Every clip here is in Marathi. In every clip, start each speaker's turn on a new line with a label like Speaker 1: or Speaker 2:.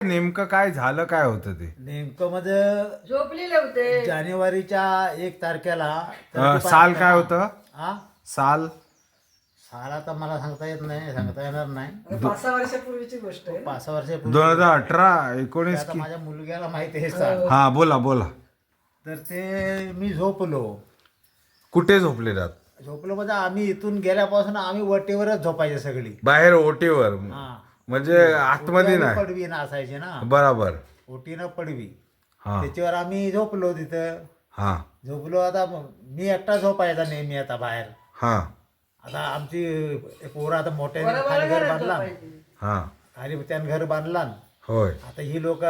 Speaker 1: नेमकं काय झालं, काय होतं ते?
Speaker 2: नेमकं मध्ये
Speaker 3: झोपलेले होते.
Speaker 2: जानेवारीच्या 1 तारखेला
Speaker 1: साल काय होतं?
Speaker 2: हा
Speaker 1: साल
Speaker 2: साल आता मला सांगता येत नाही, सांगता येणार नाही.
Speaker 3: 5-6 वर्षापूर्वीची गोष्ट आहे.
Speaker 2: 5-6 वर्षापूर्वी
Speaker 1: 2018 19
Speaker 2: आता
Speaker 1: की?
Speaker 2: माझ्या मुलग्याला माहिती आहे साल.
Speaker 1: हा, बोला बोला.
Speaker 2: तर ते मी झोपलो
Speaker 1: कुठे झोपले रात?
Speaker 2: म्हणजे आम्ही इथून गेल्यापासून आम्ही वटेवरच झोपायचे सगळी.
Speaker 1: बाहेर ओटीवर?
Speaker 2: हा
Speaker 1: म्हणजे आतमध्ये
Speaker 2: ओटी आणि
Speaker 1: नाही?
Speaker 2: पडवी ना असायची ना,
Speaker 1: बराबर.
Speaker 2: ओटीनं पडवी,
Speaker 1: हा
Speaker 2: त्याच्यावर आम्ही झोपलो तिथं.
Speaker 1: हा
Speaker 2: झोपलो आता मी एकटा झोपायचा नेहमी आता बाहेर.
Speaker 1: हा
Speaker 2: आता आमची पोरं आता मोठ्याने
Speaker 3: बरोबर
Speaker 2: खाली घर
Speaker 3: घरात
Speaker 2: बांधला,
Speaker 3: झोपायची.
Speaker 1: हा
Speaker 2: खाली त्यानं घर बांधला.
Speaker 1: होय.
Speaker 2: आता ही लोक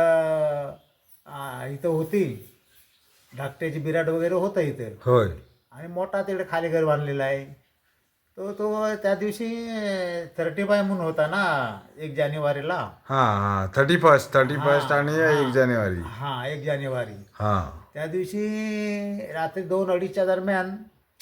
Speaker 2: इथं होती, धाकट्याची बिराड वगैरे होतं इथं,
Speaker 1: होय.
Speaker 2: आणि मोठा तिकडे खाली घर बांधलेला आहे. तो त्या दिवशी 35 म्हणून होता ना 1 जानेवारीला.
Speaker 1: हा हा 31 आणि 1 जानेवारी.
Speaker 2: हा 1 जानेवारी.
Speaker 1: हा
Speaker 2: त्या दिवशी रात्री 2-2:30च्या दरम्यान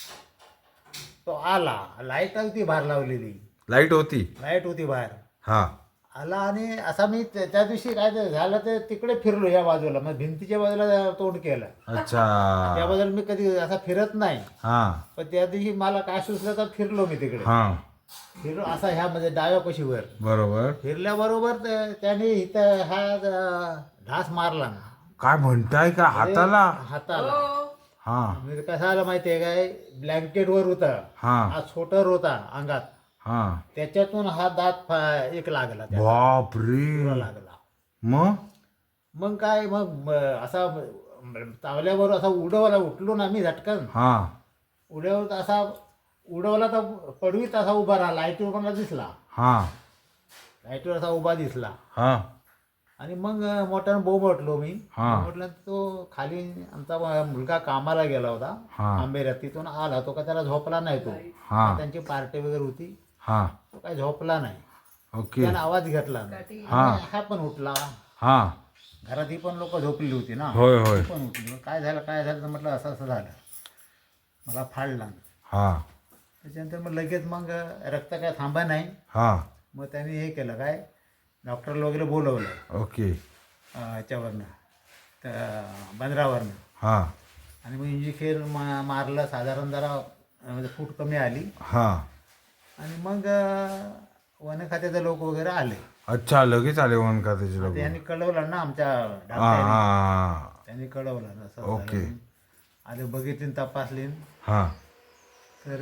Speaker 2: तो आला. लाईट होती बाहेर लावलेली,
Speaker 1: लाईट होती.
Speaker 2: लाईट होती बाहेर.
Speaker 1: हा
Speaker 2: आला आणि असा मी त्या दिवशी काय ते झालं ते तिकडे फिरलो या बाजूला, मग भिंतीच्या बाजूला तोंड केलं.
Speaker 1: अच्छा.
Speaker 2: त्या बाजूला मी कधी असा फिरत नाही,
Speaker 1: हा
Speaker 2: पण त्या दिवशी मला काय सुचलं तर फिरलो मी तिकडे.
Speaker 1: हा
Speaker 2: फिरलो असा ह्यामध्ये डाव्या कशीवर
Speaker 1: बरोबर.
Speaker 2: फिरल्याबरोबर त्याने इथं हा ढास मारला ना
Speaker 1: काय म्हणताय का हाताला?
Speaker 2: हाताला.
Speaker 3: हो.
Speaker 1: हा
Speaker 2: म्हणजे कसं आलं माहिती आहे काय, ब्लँकेटवर होता,
Speaker 1: हा
Speaker 2: हा छोटर होता अंगात,
Speaker 1: हा
Speaker 2: त्याच्यातून हा दात एक लागला, त्याला
Speaker 1: बापरे.
Speaker 2: लागला.
Speaker 1: मग
Speaker 2: मग काय मग असा चावल्यावर असा उठलो ना मी झटकन.
Speaker 1: हा
Speaker 2: उडवत असा उडवला तर पडवीत असा उभा राहिला, लाईटवर मला दिसला,
Speaker 1: हा
Speaker 2: लाईटवर असा उभा दिसला.
Speaker 1: हा
Speaker 2: आणि मग मोठ्यानं बोंबटलो मी.
Speaker 1: हा.
Speaker 2: म्हटलं तो खाली आमचा मुलगा कामाला गेला होता
Speaker 1: हा.
Speaker 2: आंबेऱ्यात, तिथून आला तो, का त्याला झोपला नाही तो.
Speaker 1: हा.
Speaker 2: त्यांची पार्टी वगैरे होती,
Speaker 1: हा
Speaker 2: तो काय झोपला नाही.
Speaker 1: ओके.
Speaker 2: त्यानं आवाज घेतला नाही.
Speaker 1: हा.
Speaker 2: आणि हा पण उठला.
Speaker 1: हा
Speaker 2: घरात ही पण लोक झोपलेली होती ना,
Speaker 1: होय होय.
Speaker 2: ती पण उठली. काय झालं तर म्हटलं असं असं झालं, मला फाडला.
Speaker 1: हा
Speaker 2: त्याच्यानंतर मग लगेच मग रक्त काय थांबा नाही.
Speaker 1: हा
Speaker 2: मग त्यांनी हे केलं काय, डॉक्टरला वगैरे बोलवलं
Speaker 1: ओके.
Speaker 2: ह्याच्यावरनं, तर बंदरावरनं.
Speaker 1: हा
Speaker 2: आणि मग इंजेक्शन मारलं, साधारण जरा म्हणजे फूट कमी आली.
Speaker 1: हा
Speaker 2: आणि मग वन खात्याचे लोक वगैरे आले.
Speaker 1: अच्छा, लगेच आले वन का त्याचे लोक?
Speaker 2: त्यांनी कळवलं ना आमच्या
Speaker 1: हा
Speaker 2: डॉक्टरांनी,
Speaker 1: हा
Speaker 2: त्यांनी कळवलं असं
Speaker 1: ओके.
Speaker 2: झालं. आले, बघितली, तपासली,
Speaker 1: हा
Speaker 2: तर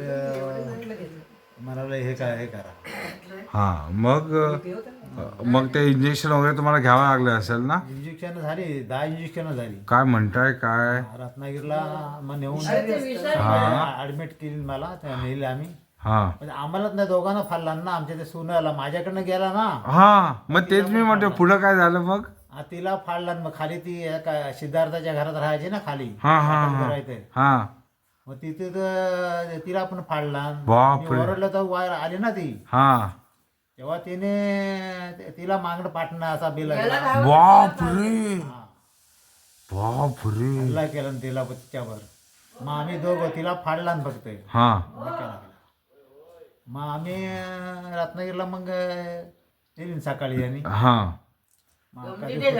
Speaker 2: म्हणाला हे करा.
Speaker 1: हा मग ते इंजेक्शन वगैरे तुम्हाला घ्यावं लागले असेल ना?
Speaker 2: इंजेक्शन झाली, 10 इंजेक्शन झाली.
Speaker 1: काय म्हणताय काय?
Speaker 2: रत्नागिरीला मग नेऊन
Speaker 1: हा.
Speaker 2: ऍडमिट केली मला, नेली आम्ही.
Speaker 1: हा
Speaker 2: म्हणजे आम्हालाच नाही, दोघांना फाडला ना, आमच्या ते सुनाला माझ्याकडनं गेला ना.
Speaker 1: हा मग तेच मी म्हणतो, पुढं काय झालं मग?
Speaker 2: तिला फाडला. मग खाली ती सिद्धार्थाच्या घरात राहायची ना खाली,
Speaker 1: हा हा हा
Speaker 2: करायचं.
Speaker 1: हा
Speaker 2: मग तिथे तर तिला पण फाडला.
Speaker 1: बापरे.
Speaker 2: ओरडलं तर वायर आली ना ती,
Speaker 1: हा
Speaker 2: तेव्हा तिने तिला मागणं पाठणं असा बिल
Speaker 1: बापरे बापरे.
Speaker 2: हल्ला केला ना तिला तिच्यावर. मग आम्ही दोघं, तिला फाडला ना फक्त,
Speaker 1: हा
Speaker 2: धक्का लागला. मग आम्ही रत्नागिरीला मग नेली सकाळी. आणि
Speaker 1: हा
Speaker 2: मग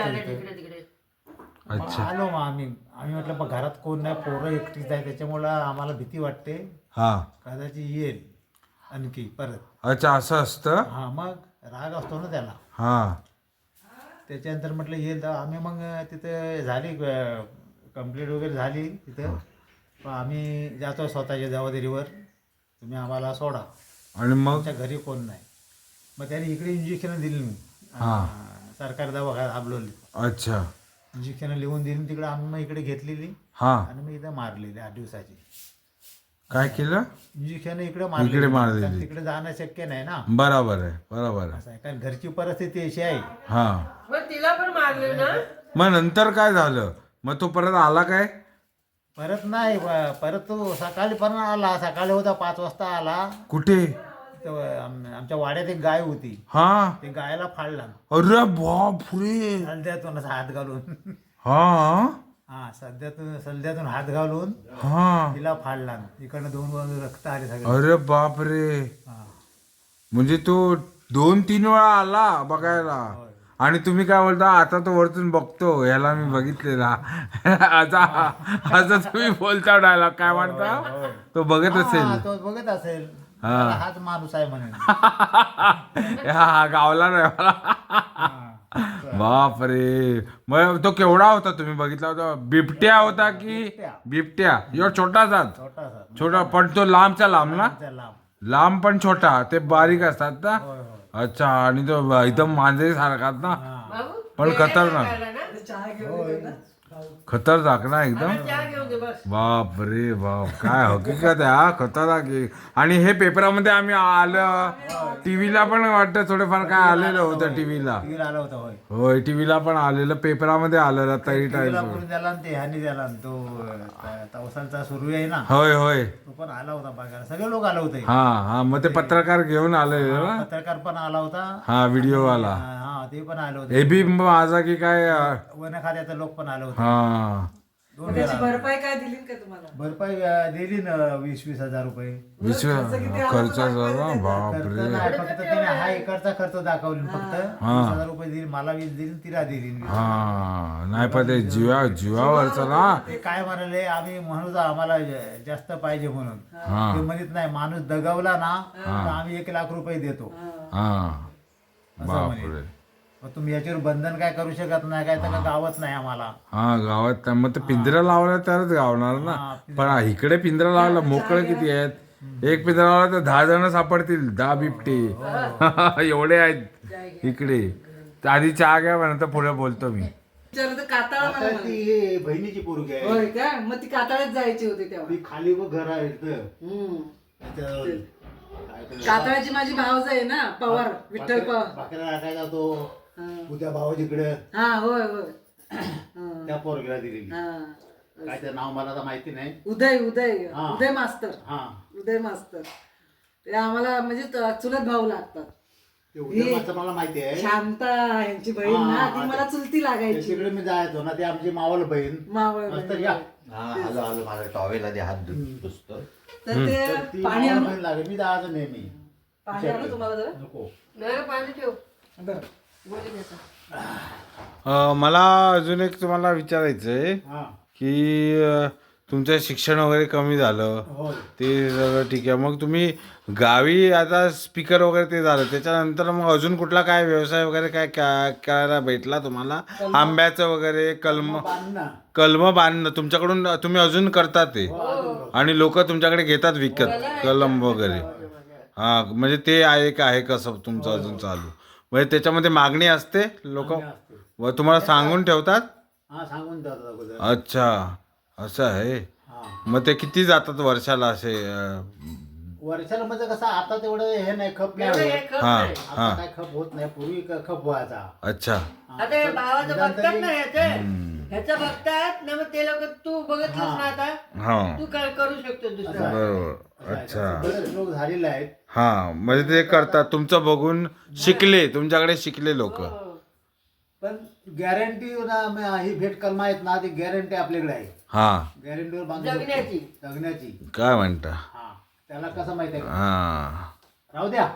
Speaker 1: अच्छा.
Speaker 2: आलो. मग आम्ही म्हटलं मग घरात कोण नाही, पोरं एकटीच आहे, त्याच्यामुळं आम्हाला भीती वाटते
Speaker 1: हा
Speaker 2: कदाचित येईल आणखी परत.
Speaker 1: अच्छा, असं असतं?
Speaker 2: हा, मग राग असतो ना त्याला.
Speaker 1: हा
Speaker 2: त्याच्यानंतर म्हटलं येईल. तर आम्ही मग तिथं झाली कंप्लीट वगैरे झाली तिथं. पण आम्ही जातो स्वतःच्या जबाबदारीवर, तुम्ही आम्हाला सोडा.
Speaker 1: आणि मग
Speaker 2: आमच्या घरी कोण नाही. मग त्याने इकडे इंजेक्शन दिली मी,
Speaker 1: हा.
Speaker 2: सरकारी दवाखान्यात हाबलवली,
Speaker 1: अच्छा.
Speaker 2: इंजेक्शन लिहून दिली. तिकडे आम्ही मग इकडे घेतलेली
Speaker 1: हा
Speaker 2: आणि मग इथं मारलेली 8 दिवसाची.
Speaker 1: काय केलं?
Speaker 2: इंजेक्शन इकडे
Speaker 1: इकडे मारलेली.
Speaker 2: तिकडे जाणं शक्य नाही ना.
Speaker 1: बरोबर आहे, बरोबर आहे.
Speaker 2: असं आहे, कारण घरची परिस्थिती अशी आहे.
Speaker 1: हा
Speaker 3: मग तिला पण मारले ना.
Speaker 1: मग नंतर काय झालं? मग तो परत आला काय?
Speaker 2: परत नाही, परत तो सकाळी पण आला. सकाळी होता 5 वाजता आला.
Speaker 1: कुठे?
Speaker 2: आमच्या वाड्यात एक गाय होती,
Speaker 1: हा.
Speaker 2: ते गायला फाडला
Speaker 1: अरे बापरे.
Speaker 2: सल्द्यातून हात घालून.
Speaker 1: हा
Speaker 2: हा, सल्द्यातून हात घालून
Speaker 1: हा.
Speaker 2: तिला फाडला. इकडनं 2 बाजू रक्त आले सगळे.
Speaker 1: अरे बापरे.
Speaker 2: हा.
Speaker 1: म्हणजे तो 2-3 वेळा आला बघायला.
Speaker 2: होय.
Speaker 1: आणि तुम्ही काय बोलता आता तो वरतून बघतो ह्याला मी बघितलेला असा असं तुम्ही बोलता डायलॉग काय म्हणता तो बघत
Speaker 2: हा,
Speaker 1: असेल
Speaker 2: तो बघत असेल
Speaker 1: हा.
Speaker 2: हाच माणूस आहे म्हणून
Speaker 1: हा गावला नाही मला बापरे मग तो केवढा होता तुम्ही बघितला होता बिबट्या होता की बिबट्या एवढा छोटासाच
Speaker 2: छोटासा
Speaker 1: छोटा पण तो लांबचा लांब ना
Speaker 2: त्या लांब
Speaker 1: लांब पण छोटा ते बारीक असतात ना
Speaker 2: होय होय
Speaker 1: अच्छा आणि तो एकदम मांजरी सारखात ना
Speaker 3: बाबू,
Speaker 1: पण
Speaker 3: गेल्या
Speaker 1: खतरनाक.
Speaker 3: का खायला ना?
Speaker 4: चहा घेऊन दे ना.
Speaker 1: खतरनाक ना एकदम
Speaker 3: चहा घेऊन दे बस.
Speaker 1: बाप रे बाप काय हकीकत आहे हा खतरनाक आहे. आणि हे पेपरामध्ये आम्ही आलं टीव्हीला पण वाटतं थोडंफार काय आलेलं होतं टीव्हीला
Speaker 2: टीव्हीला आला होता होय
Speaker 1: होय टीव्हीला पण आलेलं पेपरामध्ये आलेलं तरी
Speaker 2: टीव्हीला
Speaker 1: टाईम
Speaker 2: करून द्याला आणि ते ह्यानी द्याला आणि तो तवसालचा सुरू आहे ना
Speaker 1: होय होय
Speaker 2: तो पण आला होता बघायला सगळे लोक आले होते
Speaker 1: हा हा मग ते पत्रकार घेऊन आलेले ना
Speaker 2: पत्रकार पण आला होता
Speaker 1: हा व्हिडिओवाला
Speaker 2: हा ते पण आले होते
Speaker 1: एबी माझा की काय
Speaker 2: वन खात्याचे लोक पण आले होते
Speaker 1: हा
Speaker 2: दोन
Speaker 4: त्याची
Speaker 2: वेळा.
Speaker 4: भरपाई काय दिली का तुम्हाला
Speaker 2: भरपाई दिली ना 20-20 हजार रुपये
Speaker 1: विश्व खर्चाचा बापरे
Speaker 2: खर्च नाही फक्त तिने हा एकरचा खर्च दाखवली फक्त 20,000 रुपये दिली मला 20 दिली तिला दिली
Speaker 1: हा नाही पण ते जीवावरचं ना
Speaker 2: ते काय म्हणाले आम्ही म्हणू जा आम्हाला जास्त पाहिजे म्हणून
Speaker 1: हा
Speaker 2: ते म्हणत नाही माणूस दगावला ना तर आम्ही 1 लाख रुपये देतो
Speaker 1: हा
Speaker 2: असं
Speaker 1: बापरे
Speaker 2: म्हणे मग तुम्ही याच्यावर बंधन काय करू शकत नाही काय तर गावत नाही आम्हाला
Speaker 1: हा गावात त्या- मग ते पिंजरा लावला तरच गावणार ना पण इकडे पिंजरा लावला मोकळं किती आहेत एक पिंजरा लावला तर 10 जण सापडतील 10 बिबटे एवढे आहेत इकडे तर आधी चहा घ्या म्हणत पुढे बोलतो मी
Speaker 4: विचारलं तर काताळा मला म्हणे.
Speaker 2: ती बहिणीची पोरगी आहे
Speaker 4: होय का मग ती काताळ्यात जायची होती तेव्हा
Speaker 2: ती खाली व घर आहे इथं.
Speaker 4: हम्म.
Speaker 2: त्याचं काय ते
Speaker 4: काताळ्याची माझी भावज आहे ना पवार विठ्ठल पवार
Speaker 2: भाकऱ्या टाकायचा तो
Speaker 4: हा.
Speaker 2: उद्या भावाजीकडे
Speaker 4: हा होय होय हा.
Speaker 2: त्या पोरगीला दिलेली
Speaker 4: हा.
Speaker 2: काय ते नाव मला तर माहिती नाही
Speaker 4: उदय उदय
Speaker 2: हा.
Speaker 4: उदय मास्तर
Speaker 2: हा
Speaker 4: उदय मास्तर ते आम्हाला म्हणजे चुलत भाऊ लागतात
Speaker 2: ते उद्या मात्र मला माहिती आहे
Speaker 4: शांता यांची बहीण ना ती मला चुलती लागायची
Speaker 2: तिकडे मी जायचो ना ती आमची मावल बहीण
Speaker 4: मावळ
Speaker 2: मस्त
Speaker 4: बहीण.
Speaker 2: या
Speaker 5: आलो आलो माझा टॉवेल आधी हात पुसतो
Speaker 4: तर ते
Speaker 2: ती
Speaker 4: पाणी
Speaker 2: मावळ
Speaker 4: आणू
Speaker 2: बहीण लागेल मी जायचो नेहमी
Speaker 4: पाणी आणू तुम्हाला जरा?
Speaker 2: नको
Speaker 3: नाही पाणी ठेव
Speaker 4: बरं.
Speaker 3: बोली घेता.
Speaker 1: मला अजून एक तुम्हाला विचारायचं आहे
Speaker 2: हा
Speaker 1: की तुमचं शिक्षण वगैरे कमी झालं
Speaker 2: होय
Speaker 1: ते सगळं ठीक आहे मग तुम्ही गावी आता स्पीकर वगैरे ते झालं त्याच्यानंतर मग अजून कुठला काय व्यवसाय वगैरे काय करायला भेटला तुम्हाला आंब्याचं वगैरे
Speaker 2: बांध ना
Speaker 1: कलम बांधणं तुमच्याकडून तुम्ही अजून करता ते आणि लोक तुमच्याकडे घेतात विकत कलम वगैरे हा म्हणजे ते आहे का आहे कसं तुमचं अजून चालू म्हणजे त्याच्यामध्ये मागणी असते लोक व तुम्हाला सांगून ठेवतात
Speaker 2: हा सांगून जातात अगोदर
Speaker 1: अच्छा असं आहे
Speaker 2: हा
Speaker 1: मग ते किती जातात वर्षाला असे
Speaker 2: वर्षाला म्हणजे कसं आता तेवढं हे नाही खप नाही
Speaker 3: एवढं
Speaker 2: होत.
Speaker 3: हे खप
Speaker 1: हा
Speaker 3: नाही.
Speaker 2: आता काय खप होत नाही पूर्वी खप व्हायचा
Speaker 1: अच्छा
Speaker 2: हा.
Speaker 3: आता हे भावाचं
Speaker 2: निदान
Speaker 3: बघतात
Speaker 2: तरी-
Speaker 3: ना ह्याचं बघतात ना मग ते लोक तू बघतलीस ना आता
Speaker 1: हा
Speaker 3: तू काय करू शकतो दुसरं
Speaker 1: बरोबर अच्छा
Speaker 2: बरेच लोक झालेले आहेत
Speaker 1: हा म्हणजे ते करतात तुमचं बघून शिकले तुमच्याकडे शिकले लोक
Speaker 2: पण गॅरंटी ना ही भेट कलमा आहेत ना ती गॅरंटी आपल्याकडे आहे
Speaker 1: हा
Speaker 2: गॅरंटीवर बांधून
Speaker 3: जगण्याची.
Speaker 2: जगण्याची
Speaker 1: काय म्हणता
Speaker 2: हा त्याला कसं माहिती आहे का?
Speaker 1: हा
Speaker 2: राहू द्या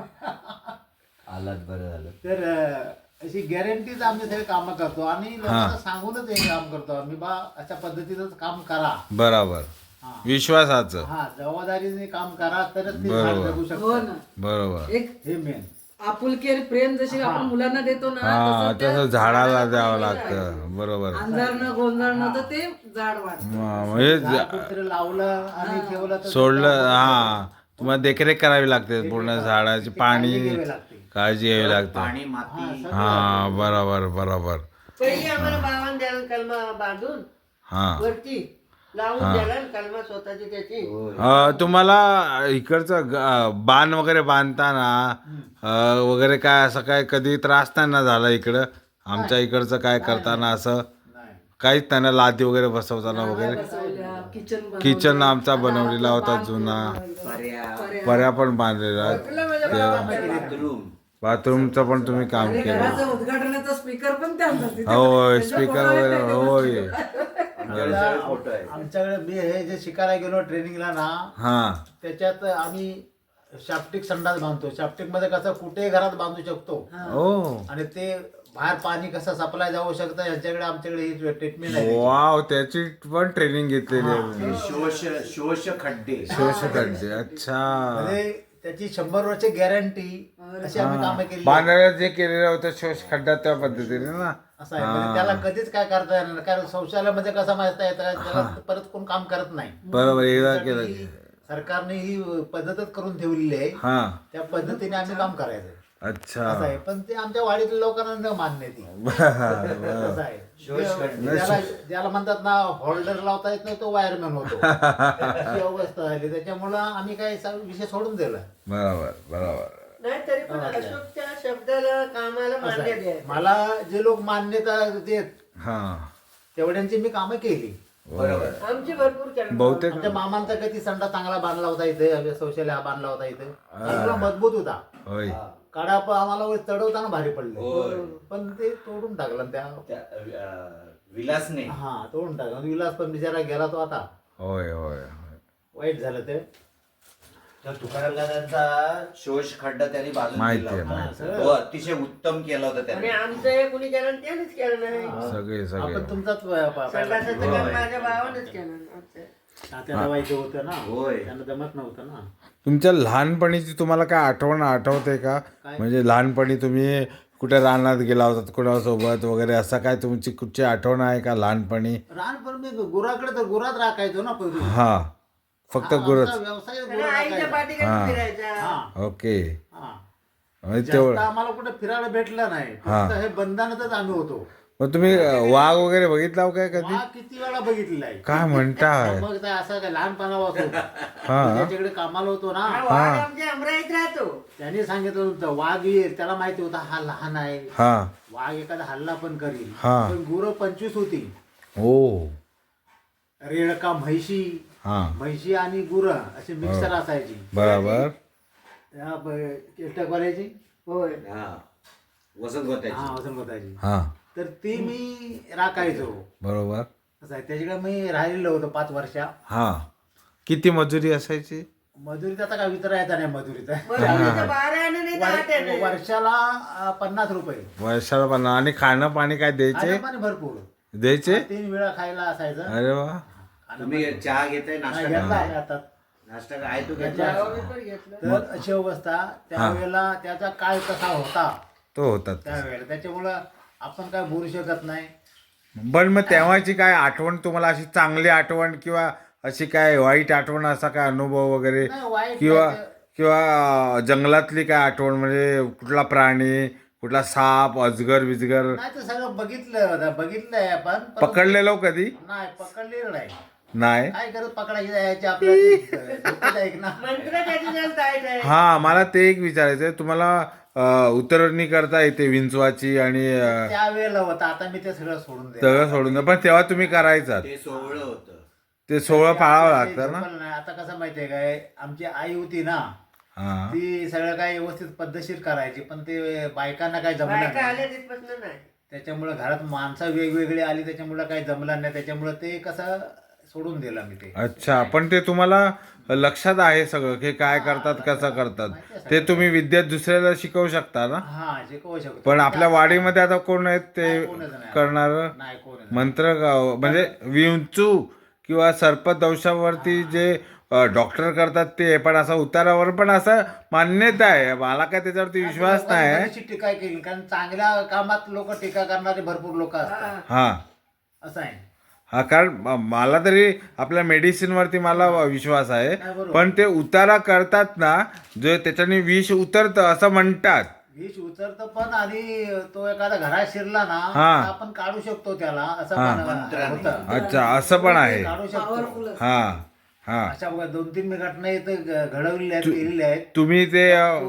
Speaker 5: आलात बरं झालं
Speaker 2: तर अशी गॅरंटीच आम्ही सगळे कामं करतो आणि लोकांना सांगूनच हे काम करतो आम्ही बा अशा पद्धतीचंच काम करा
Speaker 1: बरोबर
Speaker 2: हा
Speaker 1: विश्वासाचं
Speaker 2: हा जबाबदारीने काम करा तरच ते झाड जगू
Speaker 4: हो
Speaker 2: शकतो
Speaker 4: ना
Speaker 1: बरोबर
Speaker 4: एक
Speaker 2: हे मेन
Speaker 4: आपुलकी आणि प्रेम जशी आपण मुलांना देतो ना
Speaker 1: हा
Speaker 4: तसं त्या
Speaker 1: तसं झाडाला द्यावं
Speaker 4: दिलं
Speaker 1: लागतं बरोबर
Speaker 4: आहे. अंधारणं गोंधळणं तर ते झाड वाढतं
Speaker 1: म्हणजे
Speaker 2: झाड कुठेतरी लावलं आणि ठेवलं तर
Speaker 1: सोडलं हा तुम्हाला देखरेख करावी लागते पूर्ण झाडाची पाणी
Speaker 2: घ्यावी लागते
Speaker 1: काळजी घ्यावी लागते
Speaker 5: पाणी माती
Speaker 1: हा बरोबर बरोबर
Speaker 3: पहिली आम्हाला भावान द्यायला कलमा बांधून
Speaker 1: हा
Speaker 3: वरती लावून द्यायला कलमा स्वतःची त्याची
Speaker 1: तुम्हाला इकडचं बाण वगैरे बांधताना वगैरे काय असं काय कधी त्रास नाही ना झाला इकडं आमच्या इकडचं काय करताना असं
Speaker 2: नाही
Speaker 1: काहीच त्यांना लादी वगैरे बसवताना वगैरे
Speaker 4: बसवल्या किचन
Speaker 1: किचन आमचा बनवलेला होता जुना पर्या पण बांधलेला
Speaker 5: बाथरूम
Speaker 1: बाथरूमचं पण तुम्ही काम केलं
Speaker 4: घराचं उद्घाटनाचा स्पीकर पण त्यांचा तिथे.
Speaker 1: होय
Speaker 4: त्यांच्या
Speaker 1: स्पीकर
Speaker 4: फोटोवर
Speaker 1: वगैरे
Speaker 4: नाही
Speaker 1: होय
Speaker 5: फोटो आहे
Speaker 2: आमच्याकडे मी हे जे शिकायला गेलो ट्रेनिंगला ना
Speaker 1: हा
Speaker 2: त्याच्यात आम्ही शाप्टिक संडास बांधतो शाप्टिक मध्ये कसं कुठेही घरात बांधू शकतो
Speaker 1: ओ
Speaker 2: आणि ते बाहेर पाणी कसं सप्लाय जाऊ शकतं ह्याच्याकडे आमच्याकडे ही ट्रीटमेंट आहे.
Speaker 1: वाव, त्याची पण ट्रेनिंग घेतलेली आहे.
Speaker 5: हे शोष खड्डे.
Speaker 1: शोषखड्डे, अच्छा.
Speaker 2: म्हणजे त्याची 100 वर्ष गॅरंटी अशी आम्ही कामं केली.
Speaker 1: बांधण्याला जे केलेलं होतं शोष खड्डा त्या पद्धतीने ना.
Speaker 2: असं आहे म्हणजे त्याला कधीच काय करता येणार नाही. कारण शौचालयामध्ये कसं माहित आहे त्याला परत कोण काम करत नाही.
Speaker 1: बरोबर, एकदा केलं.
Speaker 2: त्यासाठी सरकारने ही पद्धतच करून ठेवलेली आहे.
Speaker 1: हा,
Speaker 2: त्या पद्धतीने आम्ही काम करायचं
Speaker 1: अच्छा.
Speaker 2: असं आहे. पण ते आमच्या वाडीतल्या लोकांना न मान्य ती असं आहे. ज्याला म्हणतात ना होल्डर लावता येत नाही तो वायरमॅन होतो अशी अवस्था झाली. त्याच्यामुळं आम्ही काय विषय सोडून दिला.
Speaker 1: बरोबर बरोबर.
Speaker 3: नाही तरी पण अशोकच्या शब्दाला कामाला
Speaker 2: असं
Speaker 3: मान्य
Speaker 2: आहे.
Speaker 3: द्यायचं.
Speaker 2: मला जे लोक मान्यता देत
Speaker 1: हा,
Speaker 2: तेवढ्यांची मी कामं केली.
Speaker 5: बरोबर.
Speaker 3: आमची भरपूर करणं.
Speaker 1: बहुतेक
Speaker 2: आमच्या मामांचा कधी संडा चांगला बांधला होता इथे, शौचालय बांधला होता इथे, चांगला मजबूत होता.
Speaker 1: होय.
Speaker 2: काढा आम्हाला वर चढवताना भारी
Speaker 5: होय.
Speaker 2: पडले, पण ते तोडून टाकलं त्या.
Speaker 5: विलासने.
Speaker 2: हा तोडून टाकलं. विलास पण बिचारा गेला तो आता.
Speaker 1: होय होय.
Speaker 2: वाईट झालं ते.
Speaker 5: तर तुकाराम दादांचा शोष खड्डा त्यांनी बाजूला
Speaker 1: माहिती
Speaker 5: केला
Speaker 1: आहे,
Speaker 5: होता.
Speaker 1: माहिती
Speaker 2: आहे.
Speaker 5: तो अतिशय उत्तम केला होता
Speaker 3: आणि
Speaker 5: त्याने.
Speaker 3: आमचं हे कुणी केलं त्यानेच केलं नाही.
Speaker 1: सगळे सगळे.
Speaker 2: आपण तुमचाच
Speaker 3: संडासाचं काम माझ्या भावानेच केलं. आमचं.
Speaker 2: तात्याला व्हायचं होतं ना,
Speaker 5: होय.
Speaker 2: त्यांना जमत नव्हतं ना.
Speaker 1: तुमच्या लहानपणीची तुम्हाला काय आठवण आठवते का?
Speaker 2: काय?
Speaker 1: म्हणजे लहानपणी तुम्ही कुठे रानात गेला होतात कोणासोबत वगैरे, असं काय तुमची कुठची आठवण आहे का लहानपणी?
Speaker 2: लहानपण मी गुराकडे तर गुरात राखायचो ना पहिले.
Speaker 1: हा, फक्त गुरच.
Speaker 2: आमचा व्यवसाय
Speaker 3: आणि
Speaker 2: गुरं
Speaker 3: आईच्या
Speaker 2: राखायचा.
Speaker 3: पाठीकडे फिरायच्या.
Speaker 2: हा,
Speaker 1: ओके.
Speaker 2: हा.
Speaker 1: म्हणजे
Speaker 2: जास्त
Speaker 1: तेवढं.
Speaker 2: आम्हाला कुठे फिरायला भेटलं नाही.
Speaker 1: हा.
Speaker 2: फक्त हे बंधनातच आम्ही होतो.
Speaker 1: मग तुम्ही वाघ वगैरे बघितला हो काय कधी?
Speaker 2: वाघ किती वेळा बघितलेला आहे.
Speaker 1: काय म्हणताय?
Speaker 2: मग ते असं काय लहानपणापासून
Speaker 1: हा.
Speaker 2: त्याच्याकडे कामाला होतो
Speaker 3: हा,
Speaker 2: ना,
Speaker 3: वाघ आमच्या अमराईत राहतो.
Speaker 2: त्याने सांगितलं होतं वाघ येईल. त्याला माहिती होता हा लहान आहे,
Speaker 1: हा.
Speaker 2: वाघ एखादा हल्ला पण करील.
Speaker 1: हा.
Speaker 2: पण गुरं 25 होती.
Speaker 1: ओ.
Speaker 2: रेडका म्हैशी,
Speaker 1: हा,
Speaker 2: म्हैशी आणि गुरं अशी मिक्सर असायची.
Speaker 1: बरोबर.
Speaker 2: करायची.
Speaker 3: होय.
Speaker 5: हा. वसंत गोत्याची.
Speaker 2: हा वजन बतायची.
Speaker 1: हा,
Speaker 2: तर ती मी राखायचो.
Speaker 1: बरोबर.
Speaker 2: असं आहे. त्याच्याकडे मी राहिलेलो होतो 5 वर्षा.
Speaker 1: हा. किती मजुरी असायची?
Speaker 2: मजुरीत आता काय विचारायचा नाही मजुरीचा.
Speaker 3: मजुरीचं 12 आणे नाही तर 8 आणे.
Speaker 2: वर्षाला 50 रुपये.
Speaker 1: वर्षाला पण. आणि खाणं पाणी काय द्यायचे?
Speaker 2: खाणं पाणी भरपूर.
Speaker 1: द्यायचे?
Speaker 2: 3 वेळा खायला असायचं.
Speaker 1: अरे वा.
Speaker 5: तुम्ही चहा घेताय, नाश्ता
Speaker 2: नाही, घेतला
Speaker 5: करताय?
Speaker 2: आहे आता.
Speaker 5: नाश्ता काय आहे तो घेतला?
Speaker 3: गावाकडे पण घेतलं.
Speaker 2: तर अशी अवस्था त्यावेळेला त्याचा काळ कसा होता
Speaker 1: तो होतात.
Speaker 2: त्यावेळेला, त्याच्यामुळं आपण काय बोलू शकत नाही.
Speaker 1: पण मग तेव्हाची काय आठवण तुम्हाला, अशी चांगली आठवण किंवा अशी काय वाईट आठवण, असा काय अनुभव वगैरे,
Speaker 2: नाही, वाईट
Speaker 1: किंवा
Speaker 2: नाही.
Speaker 1: किंवा जंगलातली काय आठवण, म्हणजे कुठला प्राणी, कुठला साप, अजगर बिजगर
Speaker 2: नाही, ते सगळं बघितलंय आपण, पण
Speaker 1: पकडलेलो कधी?
Speaker 2: नाही पकडलेलं नाही.
Speaker 1: नाही.
Speaker 2: काय करत पकडायची जायची आपल्याला ऐक ना.
Speaker 3: मंत्र त्याची जास्त टाईट आहे.
Speaker 1: हा, मला ते एक विचारायचं आहे. तुम्हाला उतरणी करता येते विंचवाची आणि
Speaker 2: त्यावेळेला होता. आता मी ते सगळं सोडून दिलं.
Speaker 1: सगळं सोडून द्या. पण तेव्हा तुम्ही करायचात
Speaker 5: ते सोहळं होतं.
Speaker 1: ते 16 पाळावं लागतं ना.
Speaker 2: नाही, आता कसं माहितीये काय, आमची आई होती ना,
Speaker 1: हा.
Speaker 2: ती सगळं काय व्यवस्थित पद्धतशीर करायची, पण ते बायकांना काय जमलं
Speaker 3: बायका
Speaker 2: नाही.
Speaker 3: आल्या तिथपासून नाही.
Speaker 2: त्याच्यामुळे घरात माणसं वेगवेगळी आली, त्याच्यामुळे काही जमलं नाही. त्याच्यामुळे ते कसं सोडून दिलं मी ते.
Speaker 1: अच्छा. पण ते तुम्हाला लक्षात आहे सगळं की काय करतात, कसं करतात, ते तुम्ही विद्यात दुसऱ्याला शिकवू शकता ना.
Speaker 2: हा शिकवू शकतो.
Speaker 1: पण आपल्या वाडीमध्ये आता कोण आहेत ते
Speaker 2: कोणच नाही.
Speaker 1: करणार?
Speaker 2: नाही कोण
Speaker 1: मंत्र म्हणजे विंचू किंवा सर्पदंशावरती जे डॉक्टर करतात ते, पण असं उतारावर पण असं मान्यता आहे. मला काय त्याच्यावरती विश्वास नाही.
Speaker 2: बरीचशी टीका केली, कारण चांगल्या कामात लोक टीका करणारे भरपूर लोक असतात.
Speaker 1: हा
Speaker 2: असं आहे.
Speaker 1: हा, कारण मला तरी आपल्या मेडिसिनवरती मला विश्वास आहे.
Speaker 2: नाही, बरोबर.
Speaker 1: पण ते उतारा करतात ना, जो त्याच्याने विष उतरतं असं म्हणतात.
Speaker 2: विष उतरतं पण, आणि तो एखादा घरात शिरला ना,
Speaker 1: हा.
Speaker 2: तर आपण काढू शकतो त्याला, असं
Speaker 1: हा.
Speaker 2: पण
Speaker 5: मंत्राने.
Speaker 2: होतं.
Speaker 1: अच्छा, असं पण आहे.
Speaker 2: काढू शकतो.
Speaker 1: हा हा.
Speaker 2: अशा बघा 2-3 घटना इथं घडवलेल्या आहेत, केलेल्या आहेत.
Speaker 1: तुम्ही ते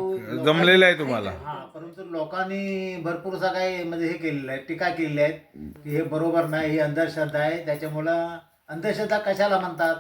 Speaker 1: जमलेलं आहे तुम्हाला.
Speaker 2: हा, परंतु लोकांनी भरपूरसा काही म्हणजे हे केलेलं आहे, टीका केलेली आहेत की हे बरोबर नाही, ही अंधश्रद्धा आहे. त्याच्यामुळं अंधश्रद्धा कशाला म्हणतात?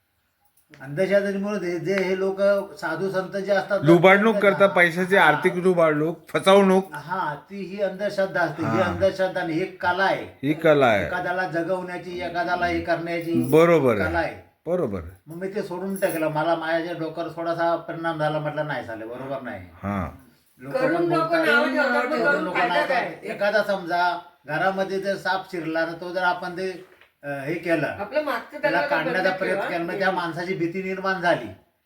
Speaker 2: अंधश्रद्धेमुळे जे हे लोक साधू संत जे असतात,
Speaker 1: लुबाडणूक करतात, पैशाची आर्थिक लुबाडणूक, फसवणूक.
Speaker 2: हा, ती ही अंधश्रद्धा असते. ही अंधश्रद्धा नाही, ही एक कला आहे.
Speaker 1: ही कला आहे.
Speaker 2: एखाद्याला जगवण्याची, एखाद्याला हे करण्याची
Speaker 1: बरोबर
Speaker 2: कला
Speaker 1: आहे.
Speaker 2: आहे.
Speaker 1: बरोबर.
Speaker 2: मग मी ते सोडून टाकलं. मला माझ्या डोक्यावर थोडासा परिणाम झाला. म्हटलं नाही झालं, बरोबर नाही.
Speaker 1: हा.
Speaker 2: लोक
Speaker 3: करून
Speaker 2: पण
Speaker 3: लोक
Speaker 2: बोलतात,
Speaker 3: नाव ठेवतात, पण
Speaker 2: करून
Speaker 3: करून
Speaker 2: लोक
Speaker 3: फायदा
Speaker 2: नाव
Speaker 3: काय?
Speaker 2: ठेवतात. एखादा समजा घरामध्ये जर साप शिरला ना तो जर आपण ते हे केलं
Speaker 3: आपलं मागचं
Speaker 2: त्याला
Speaker 3: त्याला
Speaker 2: काढण्याचा
Speaker 3: बंद
Speaker 2: प्रयत्न
Speaker 3: ठेवा.
Speaker 2: केला मग त्या माणसाची भीती निर्माण झाली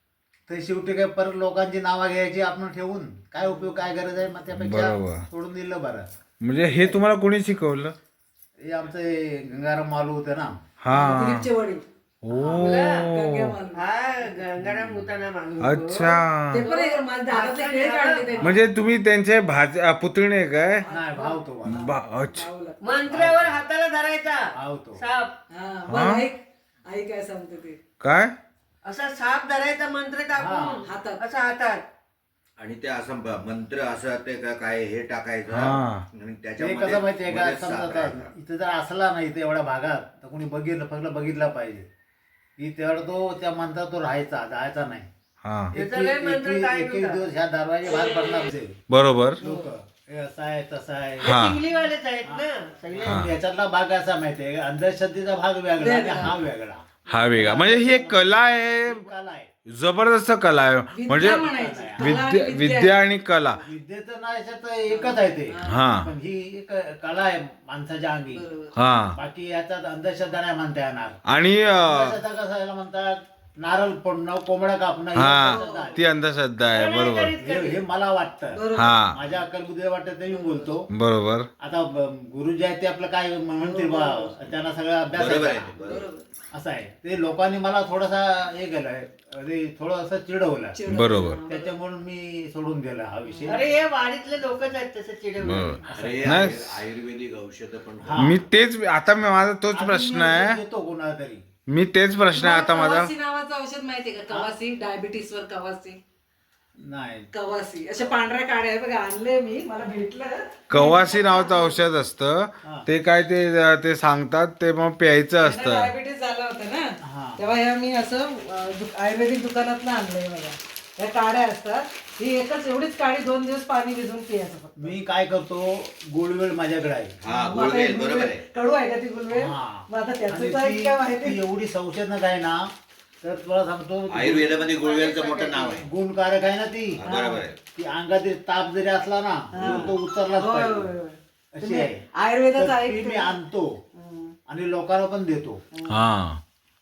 Speaker 2: तर शेवटी काय परत लोकांची नावं घ्यायची आपण ठेवून काय उपयोग काय गरज आहे मग त्यापेक्षा
Speaker 1: बरोबर.
Speaker 2: सोडून दिलं बरं.
Speaker 1: म्हणजे हे तुम्हाला कोणी शिकवलं?
Speaker 2: हे आमचं हे गंगाराम मालू होते ना
Speaker 3: हो.
Speaker 4: दिलीपचे वडील
Speaker 1: ओ
Speaker 4: गंग्या मालू.
Speaker 3: हा गंगाराम होताना माणूस.
Speaker 1: अच्छा.
Speaker 4: ते पण एक माझ्या दादाचे खेळ काढले त्यांनी.
Speaker 1: म्हणजे तुम्ही त्यांचे पुतणे काय?
Speaker 2: नाही भाव तो मला.
Speaker 1: अच्छा.
Speaker 4: भाऊला.
Speaker 3: मंत्र्यावर हाताला धरायचा
Speaker 2: भाव तो
Speaker 3: साप.
Speaker 4: हा, बरं, ऐक आई काय सांगते ते
Speaker 1: काय?
Speaker 3: असा साप धरायचा मंत्र टाकून
Speaker 4: हातात.
Speaker 3: असा हातात.
Speaker 5: आणि ते असं मंत्र असं ते काय हे टाकायचं
Speaker 1: हा.
Speaker 5: आणि
Speaker 2: ते
Speaker 5: त्याच्यामध्ये
Speaker 2: कसं माहितीये का
Speaker 5: मध्येच
Speaker 2: समजा
Speaker 5: साप
Speaker 2: आता
Speaker 5: राहणार.
Speaker 2: इथं जर असला ना इथे एवढ्या भागात तर कोणी बघितलं फक्त बघितला पाहिजे की तेवढा तो त्या मंत्रात तो राहायचा जायचा नाही.
Speaker 1: हा.
Speaker 3: त्याचा लय मंत्र काय
Speaker 2: एकवीस
Speaker 3: होता?
Speaker 2: दिवस ह्या दरवाजे बाहेर पडणार ते
Speaker 1: बरोबर.
Speaker 2: लोक हे असं आहे तसं आहे.
Speaker 1: हा.
Speaker 3: चिंगलीवालेच आहेत ना सगळे.
Speaker 2: याच्यातला भाग असा माहितीये अंधश्रद्धेचा भाग वेगळा आणि हा वेगळा
Speaker 1: हा वेगळा म्हणजे ही एक कला आहे,
Speaker 2: कला आहे.
Speaker 1: जबरदस्त कला आहे. म्हणजे
Speaker 4: विद्या म्हणायची. कला आणि
Speaker 1: विद्या विद्या आणि कला.
Speaker 2: विद्येचं ना याच्यात एकच आहे ते
Speaker 1: हा.
Speaker 2: पण ही एक कला आहे माणसाच्या अंगी.
Speaker 1: हा.
Speaker 2: बाकी याच्यात अंधश्रद्धा नाही म्हणता येणार.
Speaker 1: आणि
Speaker 2: अंधश्रद्धा कसं याला म्हणतात नारळ फोडणं कोंबड्या कापणं ही अंधश्रद्धा
Speaker 1: हा
Speaker 2: आहे.
Speaker 1: ती अंधश्रद्धा आहे. बरोबर.
Speaker 2: हे मला वाटतं
Speaker 1: हा.
Speaker 2: माझ्या अक्कलबुद्धीला वाटतं ते मी बोलतो.
Speaker 1: बरोबर.
Speaker 2: आता गुरुजी आहेत ते आपलं काय म्हणतील बा त्यांना सगळा अभ्यास
Speaker 5: बरोबर
Speaker 2: आहे
Speaker 5: आहे ते, बरोबर.
Speaker 2: असं आहे ते लोकांनी मला थोडासा हे केलंय अरे थोडं असं चिडवलं
Speaker 1: बरोबर.
Speaker 2: त्याच्यामुळे मी सोडून दिला हा विषय.
Speaker 3: अरे हे वाडीतले लोकच आहेत तसे चिडवले.
Speaker 1: बरोबर.
Speaker 5: अरे
Speaker 1: नाही.
Speaker 5: आयुर्वेदिक औषध पण
Speaker 2: हा.
Speaker 1: मी तेच आता माझा तोच
Speaker 2: अजून
Speaker 1: प्रश्न
Speaker 2: मी
Speaker 1: आहे.
Speaker 2: देतो कोणाला तरी
Speaker 1: मी तेच प्रश्न आहे आता माझा.
Speaker 4: कवासी नावाचं औषध माहितीये का? कवासी डायबिटीस वर कवासी.
Speaker 2: नाही
Speaker 4: कवासी अशा पांढऱ्या काड्या आहे बघा, आणले मी, मला भेटलं.
Speaker 1: कवासी नावाचं औषध असतं ते काय ते सांगतात ते मग प्यायचं असतं.
Speaker 4: डायबिटीस झालं होतं
Speaker 2: हा.
Speaker 4: ना तेव्हा ह्या मी असं आयुर्वेदिक दुकानात आणलंय बघा. या काड्या असतात, ही एकच एवढीच काडी 2 दिवस पाणी भिजवून पियाचं फक्त.
Speaker 2: मी काय करतो गुळवेळ माझ्याकडे आहे
Speaker 5: हा
Speaker 4: मग आता
Speaker 5: गुळवेल
Speaker 4: हे
Speaker 5: बरोबर आहे.
Speaker 4: कडू आहे का ती गुलवेल?
Speaker 2: हा.
Speaker 4: मग आता
Speaker 2: आणि
Speaker 4: त्याचं काय
Speaker 2: ती-
Speaker 4: काय माहिती?
Speaker 2: ती एवढी संशोधनक आहे ना तर तुला सांगतो
Speaker 5: आयुर्वेदामध्ये गुळवेलचं मोठं नाव आहे.
Speaker 2: गुणकारक आहे ना ती
Speaker 5: बरोबर आहे.
Speaker 2: ती अंगात ताप जरी असला ना तर तो उचललाच
Speaker 4: होय, होय,
Speaker 2: पाहिजे
Speaker 4: होय.
Speaker 2: अशी आहे.
Speaker 4: आयुर्वेदाचं
Speaker 2: तर ती
Speaker 4: ऐकते
Speaker 2: मी
Speaker 4: ना?
Speaker 2: आणतो आणि लोकांना पण देतो.
Speaker 1: हा.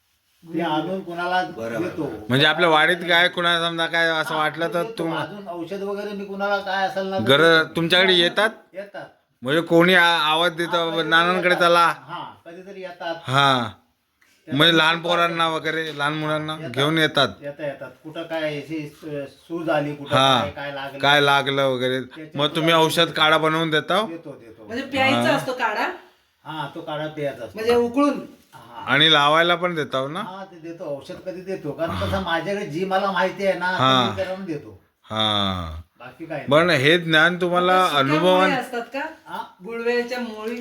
Speaker 2: ते आणून कुणाला
Speaker 5: बरोबर.
Speaker 2: देतो.
Speaker 1: म्हणजे आपल्या वाडीत काय कुणाला समजा काय असं वाटलं तर
Speaker 2: देतो. अजून औषध वगैरे मी कुणाला काय असेल ना
Speaker 1: गरज तुमच्याकडे येतात.
Speaker 2: येतात.
Speaker 1: म्हणजे कोणी आवाज देतं नानांकडे चला.
Speaker 2: हा कधीतरी येतात.
Speaker 1: हा. म्हणजे लहान पोरांना वगैरे लहान मुलांना घेऊन येतात.
Speaker 2: येतात कुठं काय अशी सूज आली कुठं
Speaker 1: हा.
Speaker 2: काय काय लागलं
Speaker 1: काय लागलं वगैरे मग तुम्ही औषध काढा बनवून देता.
Speaker 2: देतो
Speaker 4: म्हणजे प्यायचा असतो काढा,
Speaker 2: हा तो काढा प्यायचा असतो.
Speaker 4: म्हणजे उकळून.
Speaker 2: हा.
Speaker 1: आणि लावायला पण देताव ना.
Speaker 2: हा ते देतो औषध कधी देतो कारण कसं माझ्याकडे जी मला माहिती आहे ना
Speaker 1: हा.
Speaker 2: ती मी त्याला देतो
Speaker 1: हा.
Speaker 2: बाकी काय नाही.
Speaker 1: पण हे ज्ञान तुम्हाला
Speaker 4: सुक्या
Speaker 1: अनुभवान
Speaker 4: मुळी असतात का?
Speaker 2: हा
Speaker 4: गुळवेलच्या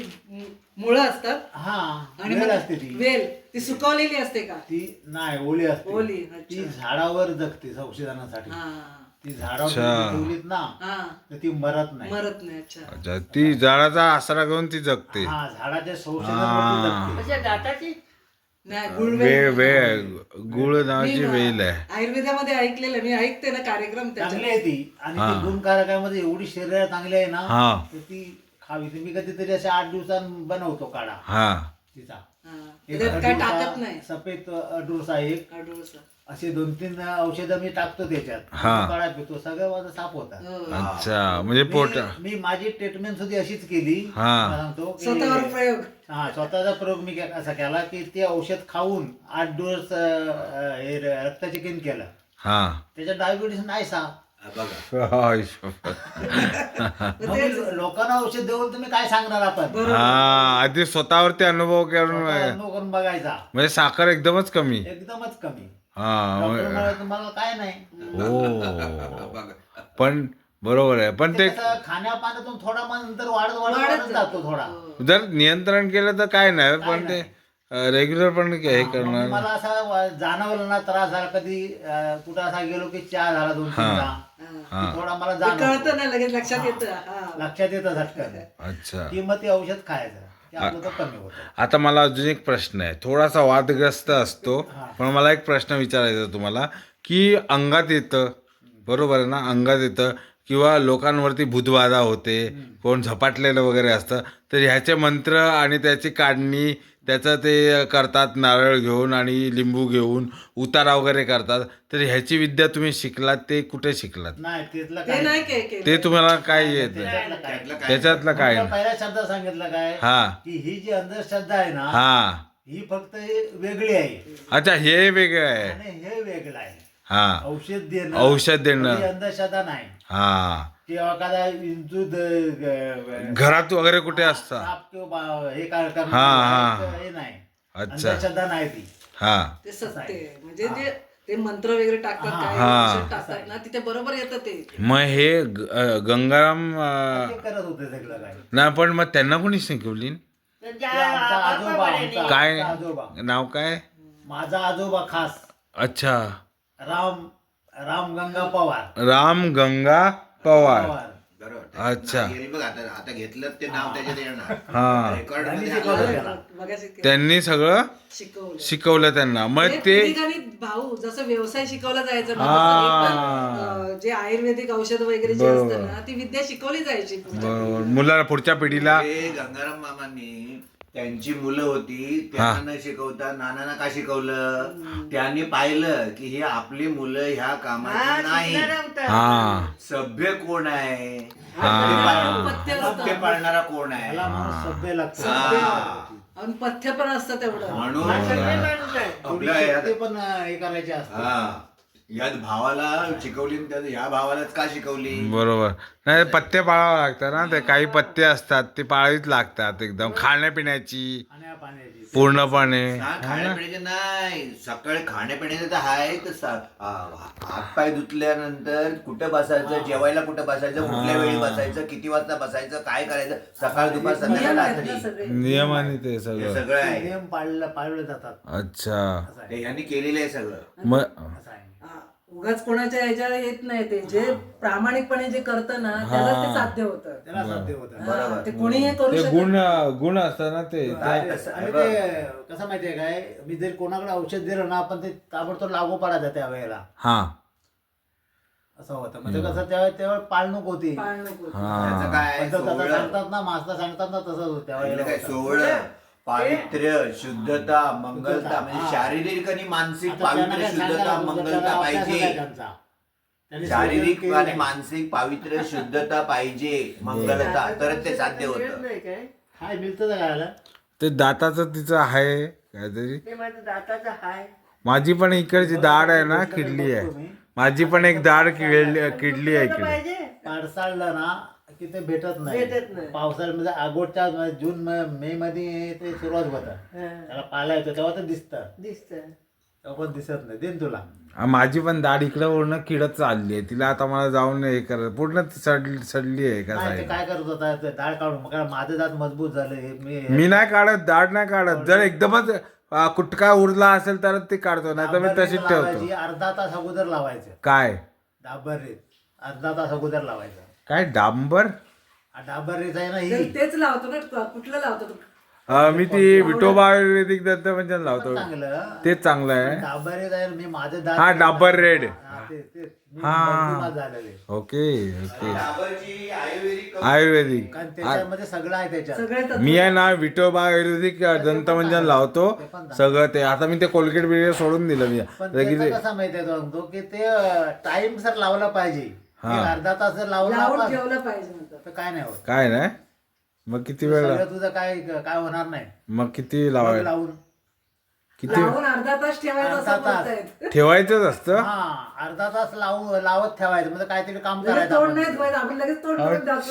Speaker 4: मुळं असतात
Speaker 2: हा
Speaker 4: आणि
Speaker 2: वेल
Speaker 4: मग
Speaker 2: असते ती
Speaker 4: वेल ती सुकवलेली असते का?
Speaker 2: ती नाही ओली असते
Speaker 4: ओली, अच्छा.
Speaker 2: ती झाडावर जगते औषधांसाठी
Speaker 4: हा
Speaker 2: ती झाडावर
Speaker 1: अच्छा.
Speaker 2: तुम्ही ठेवलीत ना
Speaker 4: हा,
Speaker 2: तर ती मरत नाही
Speaker 4: मरत नाही. अच्छा.
Speaker 1: अच्छा ती झाडाचा आसरा घेऊन ती जगते.
Speaker 2: हा झाडाच्या संशोधनावरती जगते.
Speaker 3: अशा दाताची
Speaker 4: नाही
Speaker 1: वे
Speaker 4: गुळवेल
Speaker 1: वे गुळ नावाची वेल आहे.
Speaker 4: आयुर्वेदामध्ये ऐकलेलं मी, ऐकते ना कार्यक्रम
Speaker 2: चांगली
Speaker 4: त्याच्यात.
Speaker 2: आहे ती आणि
Speaker 1: हा.
Speaker 2: ती गुणकारकामध्ये एवढी शरीर चांगली आहे ना
Speaker 1: हा.
Speaker 2: तर ती खावी ती मी कधीतरी अशा 8 दिवसांत बनवतो काढा
Speaker 1: हा.
Speaker 2: तिचा
Speaker 4: हा.
Speaker 2: एक
Speaker 4: त्याच्यात काय
Speaker 2: अडुळसा,
Speaker 4: टाकत नाही.
Speaker 2: सफेद अडुळसा एक
Speaker 4: अडुळसा.
Speaker 2: असे 2-3 औषधं मी टाकतो त्याच्यात
Speaker 1: हा.
Speaker 2: तो काढा पितो सगळं माझं साफ होता
Speaker 4: हो.
Speaker 1: अच्छा म्हणजे पोट
Speaker 2: मी माझी ट्रीटमेंट सुद्धा अशीच केली
Speaker 1: हा.
Speaker 2: मला सांगतो की-
Speaker 4: स्वतःवर प्रयोग.
Speaker 2: हा स्वतःचा प्रयोग मी असा केला की ते औषध खाऊन 8 दिवस हे रक्त चेकिंग केलं
Speaker 1: हा.
Speaker 2: त्याच्यात डायबिटीस नाही सा
Speaker 5: हा, बघा
Speaker 1: हाय शपथ.
Speaker 2: मग मी लोकांना औषध देऊन तुम्ही काय सांगणार आपण
Speaker 1: हा आधी स्वतःवरती अनुभव करून
Speaker 2: स्वतः अनुभव करून बघायचा
Speaker 1: म्हणजे साखर एकदमच कमी.
Speaker 2: एकदमच कमी
Speaker 1: हा.
Speaker 2: डॉक्टर म्हणाले, तुम्हाला काय नाही
Speaker 1: हो.
Speaker 5: बघा
Speaker 1: पण बरोबर आहे पण
Speaker 2: ते
Speaker 1: ते
Speaker 2: कसं खाण्यापाण्यातून थोडा मग नंतर वाढत वाढत
Speaker 4: वाढत
Speaker 2: वाढत जातो थोडा
Speaker 1: जर नियंत्रण केलं तर काय नाही पण ते रेग्युलर पण हे
Speaker 2: मग
Speaker 1: करणार.
Speaker 2: मला असं जाणवलं ना त्रास झाला कधी कुठं असा गेलो की चहा झाला 2-3 चहा
Speaker 1: हा.
Speaker 2: की थोडा मला
Speaker 4: ते कळतं
Speaker 2: जाणवतो
Speaker 4: ना लगेच लक्षात येतं. हा.
Speaker 2: लक्षात येतं झटकन
Speaker 1: अच्छा.
Speaker 2: की मग ते औषध खायचं ते आपलं तर कमी होतं
Speaker 1: आता मला अजून एक प्रश्न आहे थोडासा वादग्रस्त असतो पण मला एक प्रश्न विचारायचा आहे तुम्हाला की अंगात येतं बरोबर आहे ना अंगात येतं किंवा लोकांवरती भूतबाधा होते, कोण झपाटलेलं वगैरे असतं, तर ह्याचे मंत्र आणि त्याची काढणी त्याचं ते करतात, नारळ घेऊन आणि लिंबू घेऊन उतारा वगैरे करतात. तर ह्याची विद्या तुम्ही शिकलात, ते कुठे शिकलात?
Speaker 2: नाही तिथलं
Speaker 4: ते नाही केलं.
Speaker 1: ते तुम्हाला काय येत त्याच्यातलं काय नाही?
Speaker 2: पहिल्या शब्दात सांगितलं काय
Speaker 1: हा
Speaker 2: की ही जी अंधश्रद्धा आहे ना
Speaker 1: हा
Speaker 2: ही फक्त वेगळी आहे
Speaker 1: अच्छा, हे वेगळं आहे.
Speaker 2: आणि हे वेगळं आहे.
Speaker 1: हा
Speaker 2: औषध देणं
Speaker 1: औषध देणं.
Speaker 2: ही अंधश्रद्धा नाही
Speaker 1: हा
Speaker 2: किंवा एखादा विंचूद
Speaker 1: घरात वगैरे कुठे असतं?
Speaker 2: साप किंवा हे काय
Speaker 1: हा,
Speaker 2: करणं
Speaker 1: हा.
Speaker 2: हे नाही.
Speaker 1: अच्छा.
Speaker 2: अंधश्रद्धा नाही ती.
Speaker 1: हा
Speaker 4: ते सत्य आहे. म्हणजे जे ते मंत्र वगैरे टाकतात, काय
Speaker 1: हा.
Speaker 4: औषध टाकतात ना, तिथे बरोबर येतं ते.
Speaker 1: मग हे गंगाराम
Speaker 2: ते करत होते सगळं काय.
Speaker 1: नाही, पण मग त्यांना कोणी शिकवली?
Speaker 2: ते आमचा आजोबा आमचा
Speaker 1: काय
Speaker 2: आजोबा
Speaker 1: नाव काय?
Speaker 2: माझा आजोबा खास
Speaker 1: अच्छा,
Speaker 2: राम गंगा पवार
Speaker 1: राम गंगा पवार.
Speaker 5: बरोबर.
Speaker 1: अच्छा.
Speaker 5: नाही, बघ आता आता घेतलं ते नाव त्याच्यात येणार.
Speaker 1: हा
Speaker 5: रेकॉर्ड
Speaker 2: त्यांनी
Speaker 5: मध्ये
Speaker 2: शिकवलं
Speaker 5: आलं.
Speaker 2: त्याला.
Speaker 4: मगाशी ते
Speaker 1: त्यांनी सगळं
Speaker 4: शिकवलं.
Speaker 1: शिकवलं त्यांना. मग
Speaker 4: म्हणजे
Speaker 1: ते
Speaker 4: पिढीगाणी भाऊ जसं व्यवसाय शिकवला जायचा ना,
Speaker 1: हा.
Speaker 4: तसं हे पण, जे आयुर्वेदिक औषध वगैरे जे
Speaker 1: बरोबर.
Speaker 4: असतं ना, ती विद्या शिकवली जायची पुढच्या
Speaker 1: बरोबर, मुलाला पुढच्या पिढीला.
Speaker 5: हे गंगाराम मामांनी त्यांची मुलं होती त्यांना न शिकवता नानांना का शिकवलं? त्यांनी पाहिलं की ही आपली मुलं ह्या कामाची नाही.
Speaker 1: हा
Speaker 5: सभ्य कोण आहे?
Speaker 1: हा.
Speaker 4: पथ्य असतं.
Speaker 5: ते पाळणारा कोण आहे?
Speaker 2: त्याला माणूस सभ्य लागतो.
Speaker 5: हा.
Speaker 4: आणि पथ्य पण असतं तेवढं.
Speaker 5: म्हणून
Speaker 2: थोडी
Speaker 5: आपल्या
Speaker 2: शक्ती
Speaker 5: यात-
Speaker 2: पण हे करायची असते.
Speaker 5: हा, यात भावाला शिकवली आणि त्यात ह्या भावालाच का शिकवली?
Speaker 1: बरोबर. नाही, पथ्य पाळावं लागतं ना, ते काही पथ्य असतात ते पाळावीच लागतात, एकदम खाण्यापिण्याची
Speaker 2: खाण्यापाण्याची
Speaker 1: पूर्णपणे.
Speaker 5: खाण्यापिण्याचे नाही, सकाळी खाण्यापिण्याचं तर आहे तर हातपाय धुतल्यानंतर कुठं बसायचं, जेवायला कुठं बसायचं, कुठल्या वेळी बसायचं, किती वाजता बसायचं, काय करायचं, सकाळ दुपार संध्याकाळ
Speaker 4: नियम आहेत ना
Speaker 5: रात्री,
Speaker 4: सगळे.
Speaker 1: नियमाने ते
Speaker 5: हे
Speaker 1: सगळं.
Speaker 5: सगळं आहे.
Speaker 2: नियम पाळले जातात.
Speaker 1: अच्छा,
Speaker 2: असं आहे.
Speaker 5: ते ह्यांनी केलेलं आहे सगळं.
Speaker 1: मग
Speaker 2: असं आहे.
Speaker 4: हा, उगाच कोणाच्या ह्याच्यावर येत नाही. ते जे प्रामाणिकपणे जे करतं ना, त्याला ते साध्य होतं.
Speaker 2: त्याला साध्य होतं.
Speaker 4: हा, ते कोणीही करू
Speaker 1: ते
Speaker 4: शकत
Speaker 1: गुण असतात ना ते.
Speaker 5: काय कसं
Speaker 2: आणि
Speaker 5: आहे
Speaker 2: ते कसं माहितीये काय, मी जर कोणाकडे औषध दिलं ना आपण ते ताबडतोब लागू पडायचं त्या वेळेला.
Speaker 1: हा
Speaker 2: असं होतं म्हणजे कसं त्यावेळेला पाळणूक होती.
Speaker 4: पाळ नको.
Speaker 5: त्याचं काय
Speaker 2: पण तसं
Speaker 5: सोहळं.
Speaker 2: सांगतात ना, मास्तर सांगतात ना, तसंच होतं
Speaker 5: पहिलं काय
Speaker 2: त्यावेळेला.
Speaker 5: सोहळं, पावित्र्य, शुद्धता, मंगलता, म्हणजे शारीरिक आणि मानसिक पावित्र्य, शुद्धता, मंगलता पाहिजे. शारीरिक आणि मानसिक पावित्र्य, शुद्धता पाहिजे, मंगलता, तरच ते साध्य होतं.
Speaker 3: नाही काय
Speaker 2: काय मिळतं का खायला?
Speaker 1: ते दाताचं तिचं आहे काहीतरी.
Speaker 3: ते माझं दाताचं हाय.
Speaker 1: माझी पण इकडची दाढ आहे ना, किडली आहे. माझी पण एक दाढ किडली आहे इकडे.
Speaker 3: पाहिजे
Speaker 2: पाडसाळलं ना की ते भेटत नाही.
Speaker 3: भेटत नाही.
Speaker 2: पावसाळ्यामध्ये अगोदच्या जून मे मध्ये ते सुरुवात होतं. त्याला पाला येतो तेव्हा ते दिसतं,
Speaker 3: दिसत
Speaker 2: तेव्हा पण दिसत नाही. देन तुला
Speaker 1: माझी पण दाढ इकडे पूर्ण किडत चालली आहे. तिला आता मला जाऊन हे करत पूर्ण सडली आहे का
Speaker 2: नाही ते
Speaker 1: साईड.
Speaker 2: काय करत होता ते दाढ काढून, मग माझे दात मजबूत झाले.
Speaker 1: मी नाही काढत, दाढ नाही काढत. जर एकदमच कुटका उरला असेल तर ते काढतो, नाही तर मी तशीच ठेवतो.
Speaker 2: लावायची, अर्धा तास अगोदर लावायचं.
Speaker 1: काय
Speaker 2: डाबर रेत अर्धा तास अगोदर लावायचं.
Speaker 1: काय डांबर?
Speaker 2: डाबर रेत आहे ना ही,
Speaker 4: तेच लावतो ना. कुठलं लावतो तू?
Speaker 1: मी ती विठोबा आयुर्वेदिक दंतमंजन लावतो,
Speaker 2: चांगलं
Speaker 1: तेच चांगलं आहे.
Speaker 2: डाबर रेत आहे. मी माझे दात
Speaker 1: हा, डाबर रेड.
Speaker 2: मी
Speaker 1: हा.
Speaker 2: मजबूत झालेले.
Speaker 1: Okay okay.
Speaker 5: डाबरची आयुर्वेदिक
Speaker 1: आयुर्वेदिक
Speaker 2: कारण त्याच्यामध्ये सगळं आहे त्याच्यात.
Speaker 4: सगळे तत्व.
Speaker 1: मी आहे ना विठोबा आयुर्वेदिक दंतमंजन लावतो सगळं. ते आता मी ते कोलगेट बिलगेट सोडून दिलं मी.
Speaker 2: पण त्याचं कसं माहितीये तो की ते टाइम सर लावला पाहिजे. एक अर्धा तास जर लावला
Speaker 4: लावून
Speaker 2: आपण,
Speaker 4: ठेवलं पाहिजे नंतर.
Speaker 2: तर काय नाही होत.
Speaker 1: काय नाही. मग किती वेळ
Speaker 2: सगळं तुझं काय काय होणार नाही.
Speaker 1: मग किती
Speaker 2: मग
Speaker 1: लावायचं?
Speaker 2: लावून
Speaker 1: किती
Speaker 4: लावून अर्धा तास ठेवायचं
Speaker 2: अर्धा
Speaker 4: असं
Speaker 2: तास.
Speaker 4: बोलतायत.
Speaker 1: ठेवायचं असतं?
Speaker 2: हा अर्धा तास लावत ठेवायचं म्हणजे काहीतरी काम
Speaker 4: लगेच
Speaker 2: करायचं
Speaker 4: तोंड
Speaker 2: आपण.
Speaker 4: नाही धुवायचं. आपण लगेच तोंड धुवून जातो.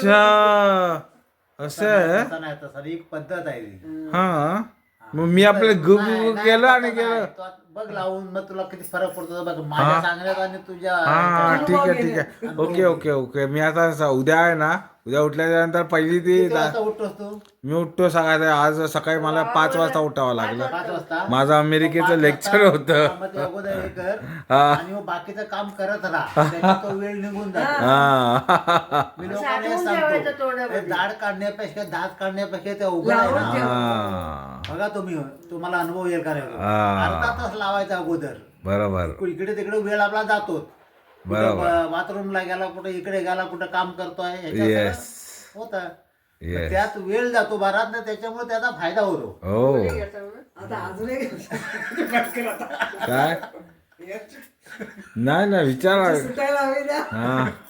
Speaker 1: अच्छा, असं आहे.
Speaker 2: तसं नाही, तसं एक पद्धत आहे ती.
Speaker 1: हा, मग मी आपलं गुप
Speaker 2: नाही, नाही,
Speaker 1: केलं आणि
Speaker 2: तसं
Speaker 1: केलं.
Speaker 2: नाही. तू आता बघ लावून मग तुला किती फरक पडतो बघ माझ्या सांगण्यात आणि तुझ्या
Speaker 1: हा, ठीक आहे ठीक आहे. Okay okay okay. मी आता उद्या आहे ना, उद्या उठल्यानंतर पहिली ती
Speaker 2: किती वाजता उठतोस तू?
Speaker 1: मी उठतो सकाळी. आज सकाळी मला 5 वाजता उठावं लागलं.
Speaker 2: 5 वाजता.
Speaker 1: माझं अमेरिकेचं लेक्चर होतं.
Speaker 2: मग ते अगोदर हे कर
Speaker 1: हा.
Speaker 2: आणि मग बाकीचं काम करत राहा. त्याच्यात तो वेळ निघून जातो.
Speaker 1: हा
Speaker 2: मी लोकांना हे
Speaker 3: साठवून ठेवायचं
Speaker 2: सांगतो
Speaker 3: तोंडामध्ये.
Speaker 2: हे दाढ काढण्यापेक्षा दात काढण्यापेक्षा ते उघड आहे
Speaker 4: लावून
Speaker 2: ना.
Speaker 4: ठेव.
Speaker 1: हा,
Speaker 2: बघा तुम्हाला अनुभव येईल का नाही?
Speaker 1: हा.
Speaker 2: अर्धा तास लावायचा अगोदर.
Speaker 1: बरोबर.
Speaker 2: इकडे तिकडे वेळ आपला जातो.
Speaker 1: बरोबर.
Speaker 2: बाथरूमला गेला कुठं इकडे गेला कुठं काम करतोय
Speaker 1: येस
Speaker 2: होतं
Speaker 1: येस
Speaker 2: त्यात वेळ जातो बराच ना त्याच्यामुळे त्याचा फायदा होतो
Speaker 1: हो
Speaker 4: आता अजूनही
Speaker 1: काय नाही ना विचारा
Speaker 4: सुटायला हवी द्या
Speaker 1: हा